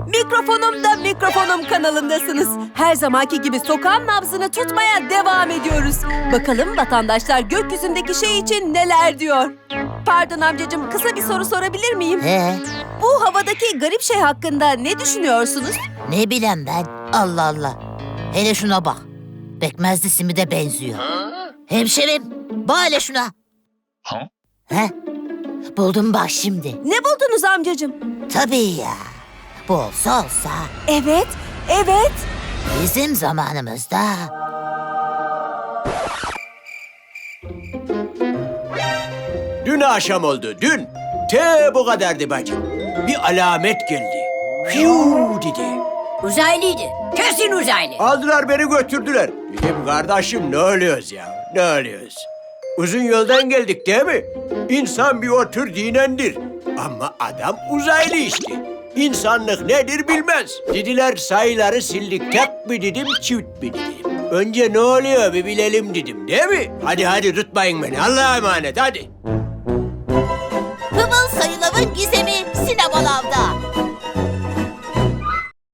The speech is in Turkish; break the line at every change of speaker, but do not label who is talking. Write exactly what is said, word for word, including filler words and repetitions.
Mikrofonum da Mikrofonum kanalındasınız. Her zamanki gibi sokağın nabzını tutmaya devam ediyoruz. Bakalım vatandaşlar gökyüzündeki şey için neler diyor? Pardon amcacığım, kısa bir soru sorabilir miyim?
He,
Bu havadaki garip şey hakkında ne düşünüyorsunuz?
ne bileyim ben. Allah Allah. Hele şuna bak. Pekmezli simide benziyor. Hemşerim, bak hele şuna. He? Buldum bak şimdi.
Ne buldunuz amcacığım?
Tabii ya. Bu olsa olsa
Evet, evet.
bizim zamanımızda.
Dün akşam oldu, dün. Te bu kadardı bacım. Bir alamet geldi. Fiu dedi.
Uzaylıydı. Kesin uzaylı.
Aldılar beni götürdüler. Dedim kardeşim ne oluyoruz ya, ne oluyoruz? Uzun yoldan geldik değil mi? İnsan bir otur dinlendir. Ama adam uzaylı işte. İnsanlık nedir bilmez. Dediler sayıları sildik, tek mi dedim, çift mi dedim. Önce ne oluyor bir bilelim dedim değil mi? Hadi hadi tutmayın beni, Allah'a emanet hadi.